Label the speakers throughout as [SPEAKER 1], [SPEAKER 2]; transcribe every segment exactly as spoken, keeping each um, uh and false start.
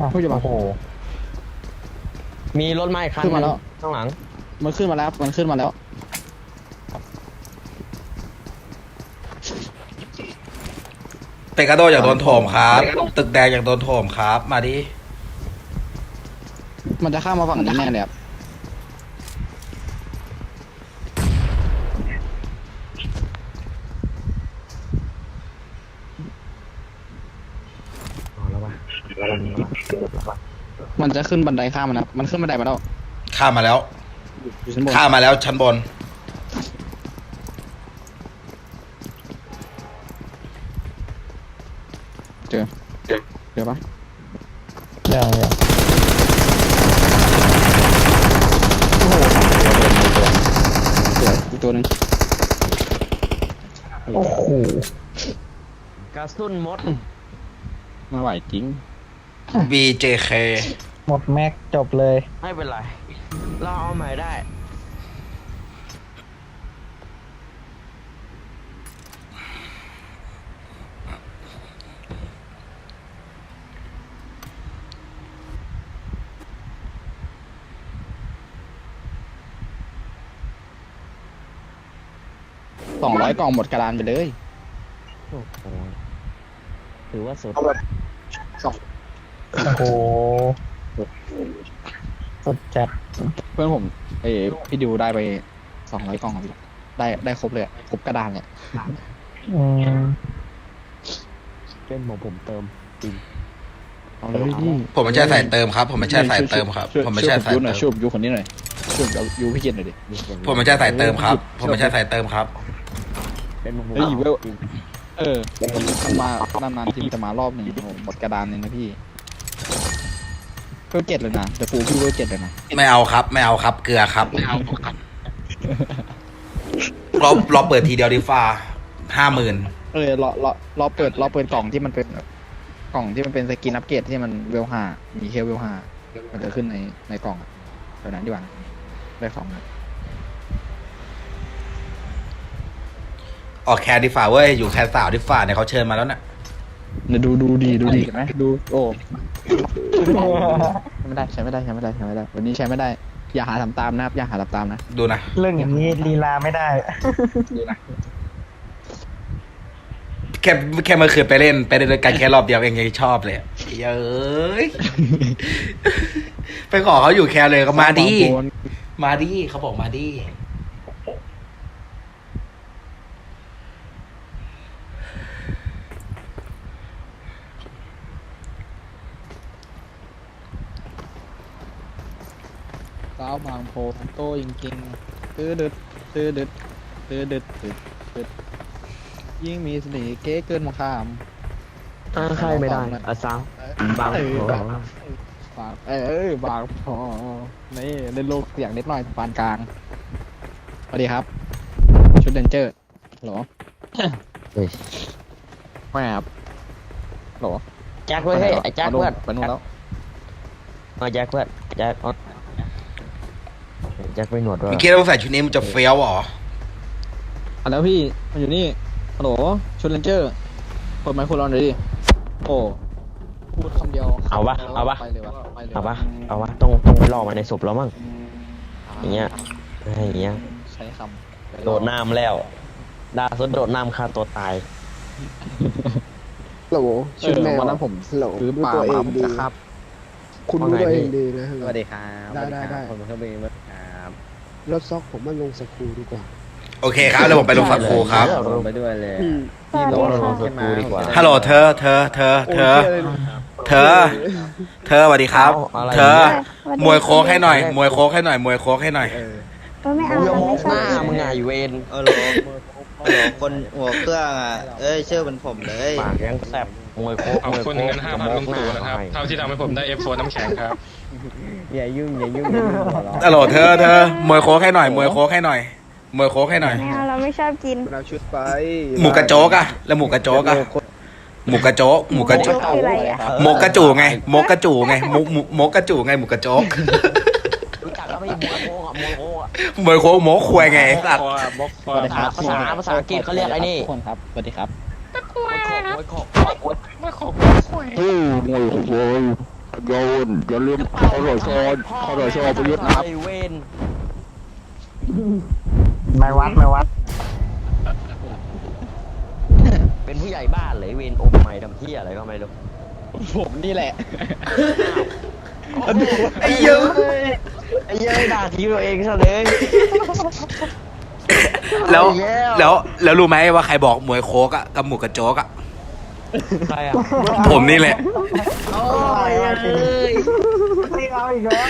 [SPEAKER 1] ผู้ใหญ่บ้าน
[SPEAKER 2] โอ้โหมีรถไม้คัน
[SPEAKER 1] ขึ้นมาแล้ว
[SPEAKER 2] ข้างหลัง
[SPEAKER 1] มันขึ้นมาแล้วมันขึ้นมาแล้ว
[SPEAKER 3] เปกาโดอยากโดนโถมครับ ตึกแดงอยากโดนโถมครับ มาดิ
[SPEAKER 1] มันจะข้ามมาฝั่งนี้แน่เลยครับมันจะขึ้นบันไดข้ามมันนะมันขึ้นบันไดมาแล้ว
[SPEAKER 3] ข้ามมาแล้ว
[SPEAKER 1] อยู่ชั้นบน
[SPEAKER 3] ข้ามมาแล้วชั้นบน
[SPEAKER 1] เจอเจอปะ
[SPEAKER 2] ยังยัง
[SPEAKER 1] เจออีกตัวหนึ่ง
[SPEAKER 2] โอ้โหกระสุนมด
[SPEAKER 1] ไม่ไหวจริง
[SPEAKER 3] บี เจ เค
[SPEAKER 4] หมดแม็กจบเลย
[SPEAKER 2] ไม่เป็นไรเราเอาใหม่ได้
[SPEAKER 1] สองร้อยกล่องหมดกระดานไปเลย
[SPEAKER 2] โอ้โหถือว่าสุด
[SPEAKER 1] สอง
[SPEAKER 4] โอ้โหสุดจัด
[SPEAKER 1] เพื่อนผมเอ้ยพี่ดิวได้ไปสองร้อยกล่องครับพี่ได้ได้ครบเลยอะครบกระดานเลย
[SPEAKER 4] อืม
[SPEAKER 2] เป็นของผมเติมจริง
[SPEAKER 1] เอาเลยพี่
[SPEAKER 3] ผมไม่ใช่สายเติมครับ ผมไม่ใช่สายเติมครับ
[SPEAKER 1] ช่วย
[SPEAKER 3] ผมไม่ใช่
[SPEAKER 1] ช่วย
[SPEAKER 3] สาย
[SPEAKER 1] ยูหน่อยช่
[SPEAKER 3] เติ
[SPEAKER 1] วย
[SPEAKER 3] ม
[SPEAKER 1] ยูคนนี้หน่อยช่วยยูพี่เกียรติหน่อยดิ
[SPEAKER 3] ผมไม่ใช่สายเติมครับ ผมไม่ใช่สายเติมครับ
[SPEAKER 2] เป็นของผม
[SPEAKER 1] เฮ้ยเวล เออมันมานานๆทีมจะมารอบหนึ่งผมหมดกระดานหนึ่งนะพี่เวลเจ็ดเลยนะแต่ฟูพี่เวลเจ็ดเลยนะ
[SPEAKER 3] ไม่เอาครับ ไม่เอาครับ เกลือครับ ไม่เอาครับเราเราเปิดทีเดียวดีฟ้าห้าหมื่น
[SPEAKER 1] เออรอรอรอเปิดรอเปิดกล่องที่มันเป็นกล่องที่มันเป็นสกินอัปเกรดที่มันเวลห้ามีเคลเวลห้ามันจะขึ้นในในกล่องอะแบบนั้นดีกว่าได้ของนะ
[SPEAKER 3] ออกแคร์ดีฟ้าเว้ย อยู่แคร์สาวดีฟ้าเนี่ยเขาเชิญมาแล้วน่ะ
[SPEAKER 1] เดี๋ยวดูดูดีดูดีกันไหมดูโอ้ใช้ไม่ได้ใช้ไม่ได้ใช้ไม่ได้ใช้ไม่ได้ วันนี้ใช้ไม่ได้ อย่าหาทำตามนะครับอย่าหาทำตามนะ
[SPEAKER 3] ดูนะ
[SPEAKER 4] เรื่องอย่างนี้ลีลาไม่ได้
[SPEAKER 1] ดูนะ
[SPEAKER 3] แค่แค่เมื่อคืนไปเล่นไปเล่นด้วยกันแค่รอบเดียวเองยังชอบเลยเย้ย ไปขอเขาอยู่แคร์เลยก็มาดิ มาดิเขาบอกมาดิ
[SPEAKER 1] สาวบางโพโตจริงๆตื้อดึดตื้อดึดตื้อดึดตื้อดึดยิ่งมีเสน่ห์เก๋เกินมาข้าม
[SPEAKER 2] อ้างใครไม่ได้อาซาวบาง
[SPEAKER 1] เออ
[SPEAKER 2] โอ้
[SPEAKER 1] บางเออบางพอนี่เล่นโลกเสียงนิดหน่อยปานกลางสวัสดีครับ ชุดเดนเจอร์หรอ
[SPEAKER 2] เฮ้ย
[SPEAKER 1] ไม่ครับหรอ
[SPEAKER 2] แจ็คเว้ยเฮ้ยไอ้แจ็คเพื่อน
[SPEAKER 1] ไปนู่นแล้ว
[SPEAKER 2] มาแจ็คเพื่อนแจ็คออสแจ็คไปหนวดด้วย
[SPEAKER 3] เมื่อกี้เราใส่ชุดนี้มันจะเฟี้ยวเหรอ
[SPEAKER 1] อ่ะแล้วพี่มันอยู่นี่ฮัลโหลชุดเดนเจอร์เปิดไมโครโฟนเลยดิโอ้พูดคำเดียว
[SPEAKER 2] เอาปะเอาปะ
[SPEAKER 1] ไปเลยวะไปเลย
[SPEAKER 2] เอาปะเอาปะต้องต้องไปล่อมันในศพแล้วมั้งอย่างเงี้ยอย่างเงี้ย
[SPEAKER 1] ใช้คำ
[SPEAKER 2] โดดน้ำแล้วดาสุดโดดน้ำฆ่าตัวตาย
[SPEAKER 5] โหล
[SPEAKER 1] เอ
[SPEAKER 5] ชุด
[SPEAKER 1] อ
[SPEAKER 5] แมว
[SPEAKER 1] วันนั้นผม
[SPEAKER 5] โหล
[SPEAKER 1] ซื้อ
[SPEAKER 5] รู้
[SPEAKER 1] ปลา
[SPEAKER 5] ตัวเอ
[SPEAKER 1] มาง ผม
[SPEAKER 5] ดี
[SPEAKER 1] จะครับ
[SPEAKER 5] คุณรู้ตัวเองดีนะ
[SPEAKER 6] สวัสดีครับ
[SPEAKER 5] ได้ได้ได้
[SPEAKER 6] ผมเป็นเครื่องบินครับ
[SPEAKER 5] รถซอกผมมาลงสกรูดีกว่า
[SPEAKER 3] โอเคครับแล้วผมไปลงสักครูครับ
[SPEAKER 6] ลงไปด้วยเลย
[SPEAKER 5] อืม
[SPEAKER 6] พี่ลง
[SPEAKER 2] ล
[SPEAKER 6] ล
[SPEAKER 2] ง
[SPEAKER 6] ง
[SPEAKER 2] ส
[SPEAKER 6] ขึ้น
[SPEAKER 2] กู
[SPEAKER 6] มา
[SPEAKER 2] ดีกว่า
[SPEAKER 3] ฮัลโหลเธอ เธอ เธอ เธอ เธอ เธอสวัสดีครับ
[SPEAKER 2] เอาอะไร
[SPEAKER 3] เธอ
[SPEAKER 7] เนี่ย
[SPEAKER 3] มวยโค้กให้หน่อย มวยโค้กให้หน่อย มวยโค้กให้หน่อย
[SPEAKER 7] เออไม่เอา
[SPEAKER 2] กูจะ
[SPEAKER 7] เรา
[SPEAKER 2] มอ
[SPEAKER 7] ไม่
[SPEAKER 2] ง
[SPEAKER 7] ช
[SPEAKER 2] ห
[SPEAKER 7] อบ
[SPEAKER 2] น้า
[SPEAKER 7] กิน
[SPEAKER 2] มึงไงเวน
[SPEAKER 6] เออโหลโหลคนหัวเครื่องอ่ะ เอ้ยชื่อเป็นผมเลย
[SPEAKER 2] ปากยังแสบมวยโคก
[SPEAKER 8] ขอบ
[SPEAKER 2] มวย
[SPEAKER 8] คุณ
[SPEAKER 2] โคก
[SPEAKER 8] เงินห้าพันลุงตู่นะครับ เท่าที่ทำให้ผมได้เอฟโฟน้ำแข็งครับ
[SPEAKER 6] อย่ายุ่งอย่ายุ่งอย่ายุ่งหัวเราะ
[SPEAKER 3] ฮัลโหลเธอ เธอ มวยโค้กให้หน่อย มวยโค้กให้หน่อย มวยโค้กให้หน่อย
[SPEAKER 7] ไม่เอาเราไม่ชอบกิน
[SPEAKER 5] มันเอาชุดไป
[SPEAKER 3] หมูกระโจกอะแล้วหมูกระโจกอะหมูกระโจกหมูกระโจก
[SPEAKER 7] คืออะไรอ่ะ
[SPEAKER 3] โมกกระจูไงโมกกระจูไงโมโมโมกกระจูไงหมูกระโจก
[SPEAKER 2] รู้จักแล้วไม่มวยโคกอ่ะมวยโคกอ่ะ
[SPEAKER 3] มวยโค้กโมกควยไงไอ้สัตว์
[SPEAKER 8] บล็อกคอ
[SPEAKER 1] สวัสดีครับ
[SPEAKER 2] ภาษาภาษาอังกฤษเขาเรียกไอ้นี่
[SPEAKER 1] ทุกคนครับสวัสดีครับ
[SPEAKER 2] มวยโคกมวยโคก
[SPEAKER 8] ไม่ขอบ
[SPEAKER 1] อือมวยโอ้ยโยนอย่าลืมขอรชอนขอรชอประยุทธ์นะครับ
[SPEAKER 2] ไอเวน
[SPEAKER 4] ไม่วัดไม่วัด
[SPEAKER 2] เป็นผู้ใหญ่บ้านเลยเวนอมไม่ทำที่อะไรก็ไม่รู้
[SPEAKER 1] ผมนี่แหละ
[SPEAKER 3] ไอ้เยอะ
[SPEAKER 2] ไอ้เหี้ยด่าทีมตัวเองซะเลย
[SPEAKER 3] แล้ว
[SPEAKER 2] เอาอีกแล้ว
[SPEAKER 3] แล้วแล้วรู้ไหมว่าใครบอกมวยโคกอะกับหมูกระโจกอะ
[SPEAKER 2] ใครอ่ะ
[SPEAKER 3] ผมนี่แหละ
[SPEAKER 2] โอ้ยเอ้ย
[SPEAKER 4] ไม่เอาอีกแล้ว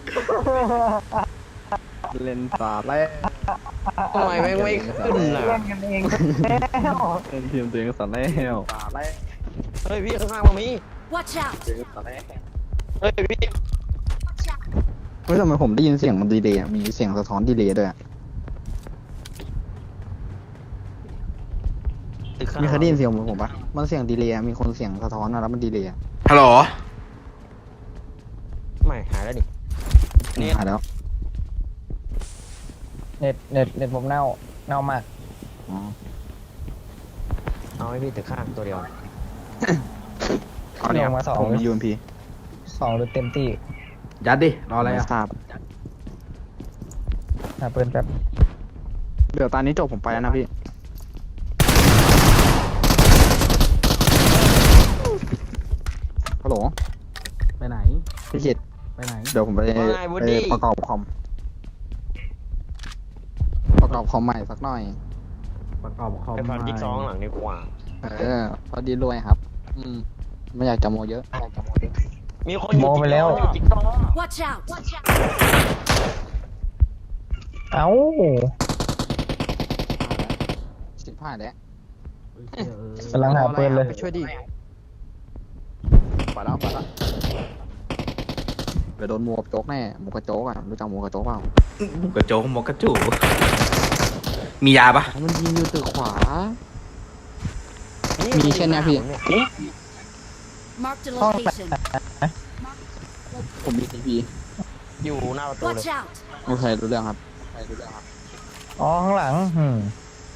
[SPEAKER 1] เล่นสาดแล้ว
[SPEAKER 2] ทำไมแม่งไม่ขึ้นล่ะ
[SPEAKER 4] เล่นกันเองแล้ว
[SPEAKER 1] เล่นทีมตัวเองสาดแล้วสาดแล้ว
[SPEAKER 2] เฮ้ยพี่ข้างๆมามี
[SPEAKER 9] Watch out!
[SPEAKER 1] สาดแล้ว
[SPEAKER 2] เฮ้ยพี่
[SPEAKER 1] เฮ้ยทำไมผมได้ยินเสียงมันดีเลยอะมีเสียงสะท้อนดีเลยด้วยอะ
[SPEAKER 2] ตึกข้าง
[SPEAKER 1] มีใครได้ยินเสียงเหมือนผมปะมันเสียงดีเลยอะมีคนเสียงสะท้อนอะแล้วมันดีเลยอะ
[SPEAKER 3] ฮัลโหล
[SPEAKER 2] ไม่หายแล้วดิ
[SPEAKER 1] นี่หายแล้ว
[SPEAKER 4] เน็ตเน็ตเน็ตผมเน่าเน่ามาก
[SPEAKER 1] อ๋อ
[SPEAKER 2] เอาให้พี่ตึกข้างตัวเดียว
[SPEAKER 1] เอาเนี่ย
[SPEAKER 4] ลงมาสอง
[SPEAKER 1] ผมมี ยู เอ็ม พี
[SPEAKER 4] สองหรือเต็มที่
[SPEAKER 3] ยัดดิ รออะไรอะ
[SPEAKER 1] ทราบ
[SPEAKER 4] หาปืนแป๊บ
[SPEAKER 1] เดี๋ยวตอนนี้จบผมไปแล้วนะพี่ ฮัลโหล
[SPEAKER 3] ไปไหน
[SPEAKER 1] พี่คิด
[SPEAKER 3] ไปไหน
[SPEAKER 1] เดี๋ยวผมไป
[SPEAKER 2] ว่าไงวูด
[SPEAKER 1] ไป
[SPEAKER 2] ดี้
[SPEAKER 1] ประกอบคอม ประกอบคอมใหม่สักหน่อย
[SPEAKER 3] ประกอบคอม
[SPEAKER 2] ไปฟันจิ๊กซอว์ข้างหลังดีกว่า
[SPEAKER 1] เออ พอดีรวยครับ อืม ไม่อยากจะโมเยอะไม่อยากจะโมเยอะ
[SPEAKER 2] มีคนอยู่
[SPEAKER 4] โมไปแล้ว
[SPEAKER 2] จิ๊กซอว์
[SPEAKER 9] Watch out! Watch out!
[SPEAKER 4] เอ้า
[SPEAKER 1] สิบห้าแล้ว
[SPEAKER 4] กำลังหาปืนเลย
[SPEAKER 1] ไปช่วยดิไปแล้วไปแล้วเดี๋ยวโดนหมูกระโจกแน่หมูกระโจกอ่ะ รู้จักหมูกระโจกเปล่า
[SPEAKER 3] หมูกระโจกหมูกระจูมียาปะ
[SPEAKER 1] มันยิงอยู่ตึกขวา มีแค่เนี้ยพี่
[SPEAKER 9] Marked a location.
[SPEAKER 1] ผมมีทีพี
[SPEAKER 2] อยู่หน้าประตูเลย
[SPEAKER 9] Watch out!
[SPEAKER 1] โอเครู้เรื่องครับโอเครู้เรื่องครับ
[SPEAKER 4] อ๋อข้างหลังอืม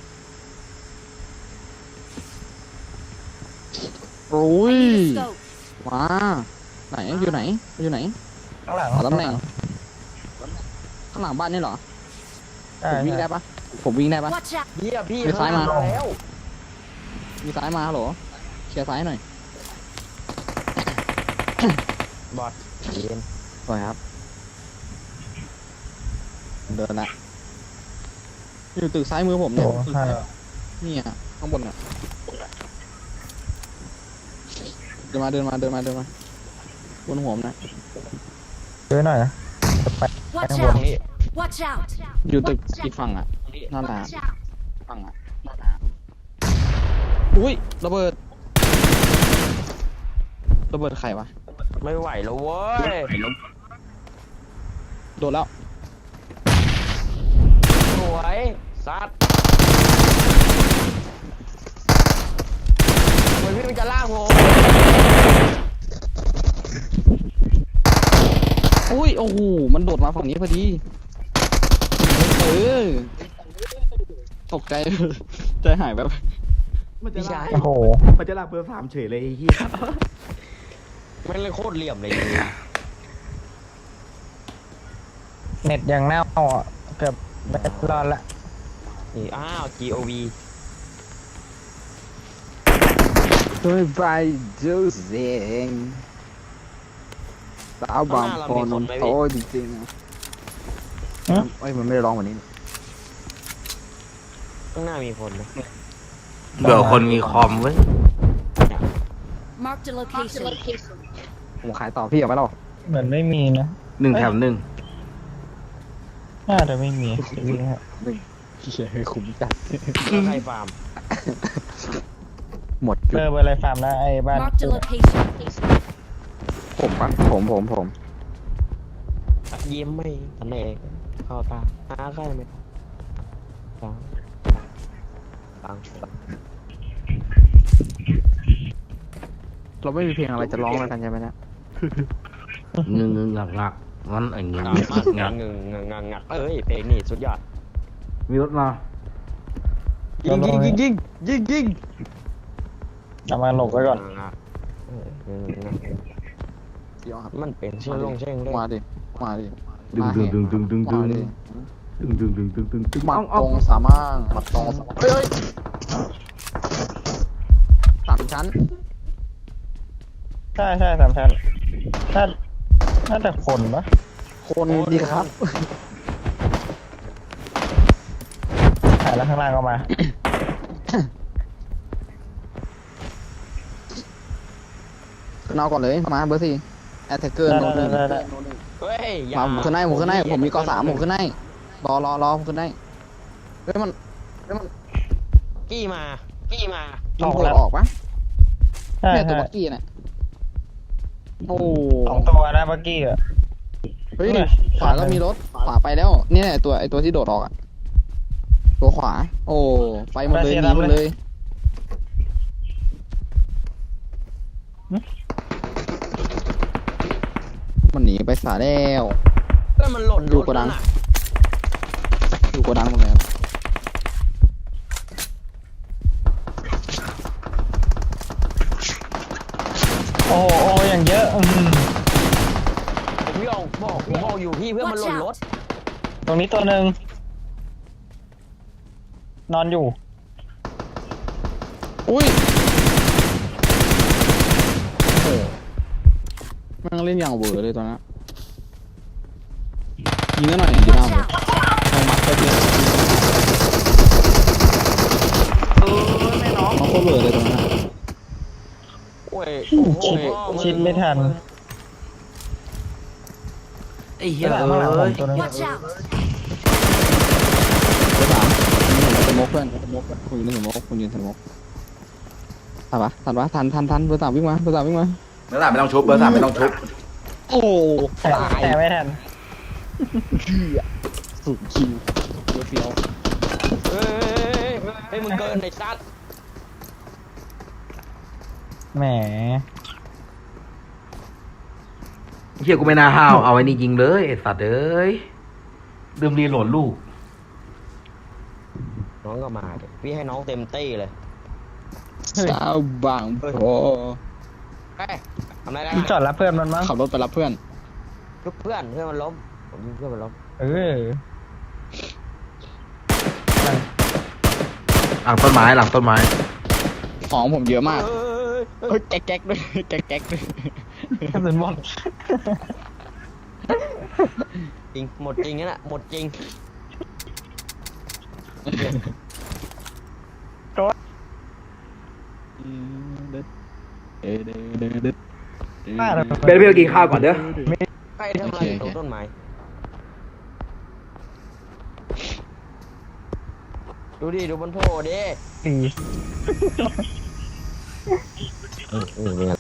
[SPEAKER 1] โอ้ย
[SPEAKER 9] Scope.
[SPEAKER 1] มาไหนอยู่ไหนอยู่ไหน
[SPEAKER 4] ข้างหลัง
[SPEAKER 1] ขอตำแหน่งข้างหลังบ้านนี่เหรอ
[SPEAKER 4] ใช่
[SPEAKER 1] ผมวิ่ง
[SPEAKER 4] ใช่
[SPEAKER 1] ได้ปะผมวิ่งได้ปะ
[SPEAKER 9] Watch out!
[SPEAKER 2] เฮียพี่
[SPEAKER 1] มีซ้ายมา
[SPEAKER 2] ข้งหน้แล้ว
[SPEAKER 1] มีซ้ายมาฮัลโหลเคลียร์ซ้ายหน่อย
[SPEAKER 2] บอดเย็น
[SPEAKER 1] สวยครับ เดินละอยู่ตึกซ้ายมือผมเนี่
[SPEAKER 4] โอ้
[SPEAKER 1] ย
[SPEAKER 4] ใช่
[SPEAKER 1] นี่อ่ะข้างบนอ่ะเดินมาเดินมาเดินมาเดินมาบนหัวผมนะ
[SPEAKER 4] ช่วยหน่อยนะจะไป
[SPEAKER 9] Watch
[SPEAKER 4] ข้างบน
[SPEAKER 9] out! Watch out!
[SPEAKER 1] อยู่ตึกอีกฝั่งอ่ะนั่นแหละ
[SPEAKER 9] Watch out!
[SPEAKER 1] ฝั่งอ่ะนั่นแหละอุ้ยระเบิดระเบิดใครวะ
[SPEAKER 2] ไม่ไหวแล้วเว้ย
[SPEAKER 1] โดนแล้ว
[SPEAKER 2] สวยซัดทำไมพี่มันจะลากผม
[SPEAKER 1] อุ้ยโอ้โหมันโดดมาฝั่งนี้พอดีเออตกใจ ใจหายแบบ
[SPEAKER 2] พี่ชาย
[SPEAKER 4] โอ้โห
[SPEAKER 3] มันจะลากเบอร์สามเฉยเลยไอ้เหี้ย
[SPEAKER 2] แม่งเลยโคตรเหลี่ยมเลย
[SPEAKER 4] เน็ตยังเน่าอ่ะเกือบไม่รอดละ
[SPEAKER 2] นี่อ้าว จี โอ วี
[SPEAKER 1] ด้วยใบจูเซงสาวบางโคนนโตจริงๆอะเอ้ยมันไม่ได้ร้องวันนี้
[SPEAKER 2] ข้างหน้ามีคนนะ
[SPEAKER 3] เบื่อคนมีคอมเว้ย
[SPEAKER 9] Marked a location.
[SPEAKER 1] ผมขายต่อพี่เอาไปหรอ
[SPEAKER 4] เหมือนไม่มีนะ
[SPEAKER 3] หนึ่งแถมหนึ่ง
[SPEAKER 4] น่าจะไม่มีวิ่งฮะ
[SPEAKER 1] เฮียคุ้มจัด
[SPEAKER 2] แล้วใครฟาร์ม
[SPEAKER 1] หมด
[SPEAKER 4] เบอร์เบอร์อะไรฟาร์มนะไอ้บ้าน
[SPEAKER 9] Marked a location.
[SPEAKER 1] ผมปะผมผมผม
[SPEAKER 2] ยิ้มไม่ทันเองเข้าตาหาใครไหมฟังฟัง
[SPEAKER 1] เราไม่มีเพลงอะไรจะร้องแล้วกันใช่ไหมเนี่ย
[SPEAKER 3] เงึงเงึงงักงักงั้นไอ้เงึง
[SPEAKER 2] งั
[SPEAKER 3] งั
[SPEAKER 2] ก
[SPEAKER 3] ก
[SPEAKER 2] งั
[SPEAKER 3] งั
[SPEAKER 2] ก
[SPEAKER 3] ก
[SPEAKER 2] งึงงักงักงักเอ้ยเพลงนี่สุดยอด
[SPEAKER 3] มีรถมา
[SPEAKER 2] ยิงยิงยิงยิงยิงยิง
[SPEAKER 4] เอามาหลบไว้ก่อน
[SPEAKER 2] งักเอองักงัก
[SPEAKER 1] เดี๋ยวครับ
[SPEAKER 2] มันเป็นเชื่อลงเช่งเลย
[SPEAKER 1] มาดิมาดิ
[SPEAKER 3] ดึงดึงดึงดึงดึงดึง
[SPEAKER 1] มาดิ
[SPEAKER 3] ดึงดึงดึงดึงดึงดึง
[SPEAKER 1] หมัดตรงสามารถหมัดตรงสามารถเฮ้ยเฮ้ยสามชั้น
[SPEAKER 4] ใช่ใช่สามชั้นน่าน่าจะคนปะ
[SPEAKER 1] คนดีครับ
[SPEAKER 4] ถ่ายแล้วข้างล่างก็มา
[SPEAKER 1] ขึ้นเอาก่อนเลยมาเบอร์สี่แอตแทกเกอร์
[SPEAKER 4] ได้
[SPEAKER 1] โน้ตหนึ่ง
[SPEAKER 4] ได้ได้
[SPEAKER 2] เฮ้ยอย่
[SPEAKER 1] มาผมขึ้นให้ผมขึ้นให้ผมมีกอสามผมขึ้นให้รอรอรอผมขึ้นให้เฮ้ยมันเฮ้ยมัน
[SPEAKER 2] กี้มากี้มา
[SPEAKER 1] ยิงโผล่ออกปะ
[SPEAKER 4] ใช่
[SPEAKER 1] เนี่ยตัว
[SPEAKER 4] ใช่
[SPEAKER 1] บักกี้เนี่ยโอ้
[SPEAKER 4] สองตัวนะเมื่อกี้อะ
[SPEAKER 1] เฮ้ยขวาก็มีรถขวาไปแล้วเนี่ยตัวไอตัวที่โดดออกอะตัวขวา โอ้ไปหมดเลยหนีหมดเลยมันหนีไปสาแล้ว
[SPEAKER 2] เพื่อนมันหล่น
[SPEAKER 1] อยู่โกดัง
[SPEAKER 2] รถน่ะ
[SPEAKER 1] อยู่โกดังหมดเลยครับ
[SPEAKER 4] โอ้โหโอ้โหอย่างเยอะอืม
[SPEAKER 2] ผมยองบอกผมบอกอยู่พี่เพื่อนมันห
[SPEAKER 9] Watch
[SPEAKER 2] ล่นรถ
[SPEAKER 9] out!
[SPEAKER 4] ตรงนี้ตัวหนึ่งนอนอยู่
[SPEAKER 1] อุ้ยโอ้โหแมันเล่นอย่างเวอร์เลยตอนนั้นยิงกันหน่อยดีหน้า
[SPEAKER 9] Watch
[SPEAKER 1] ผม
[SPEAKER 9] out!
[SPEAKER 1] เอามัดไปเลยน้องโคตรเวอร์เลยตรงนั้นอะ
[SPEAKER 2] โอ้ย
[SPEAKER 4] ชิดชิดไม่ทัน
[SPEAKER 3] ไอ้เหี้ย
[SPEAKER 4] ข้างหลัง
[SPEAKER 3] เอ้ย
[SPEAKER 4] ผมตัวนึง
[SPEAKER 9] Watch out!
[SPEAKER 1] เบอร์สามผมสโมกเพื่อนสโมกเพื่อนคุณยืนสโมกคุณยืนสโมกทันปะทันปะทันทันทันเบอร์สามวิ่งมาเบอร์สามวิ่งมา
[SPEAKER 3] เบอร์สามไม่ต้องชุบเบอร์สามไม่ต้องชุบ
[SPEAKER 1] โอ้
[SPEAKER 4] แต่แต่ไม่ทัน
[SPEAKER 1] สุดคิวเฟี้ยว
[SPEAKER 2] เฮ้ยเฮ้ยมึงเกินไอ้ซัด
[SPEAKER 4] แหม
[SPEAKER 3] เฮียกูไม่น่าห้าวเอาไอ้นี่ยิงเลยไอ้สัตว์เอ้ยลืมรีโหลดลูก
[SPEAKER 2] น้องก็มาดิพี่ให้น้องเต็มเต้เลย
[SPEAKER 1] สาวบางโผ
[SPEAKER 2] เฮ้ยทำไรได้
[SPEAKER 4] พี่จอดรับเพื่อนมันมั้ง
[SPEAKER 1] ขับรถไปรับเพื่อน
[SPEAKER 2] ชุบเพื่อนเพื่อนมันล้มผมยิงเพื่อนมันล้ม
[SPEAKER 4] เออ
[SPEAKER 3] หลังต้นไม้หลังต้นไม้
[SPEAKER 1] ของผมเยอะมาก
[SPEAKER 2] เฮ้ย
[SPEAKER 1] เฮ้ยแก๊กแก๊กด้วยแก๊กแก๊กด้วย
[SPEAKER 4] กระสุนหมด
[SPEAKER 2] จริงหมดจริงนั่นแหละหมดจริง
[SPEAKER 4] บ้าเลย
[SPEAKER 3] เบนเบลกินข้าวก่อนเด้อ
[SPEAKER 2] ใครทำอะไรอยู่ตรงต้นไม้ดูดิดูบนโพดิ
[SPEAKER 4] สี่
[SPEAKER 2] เออเออ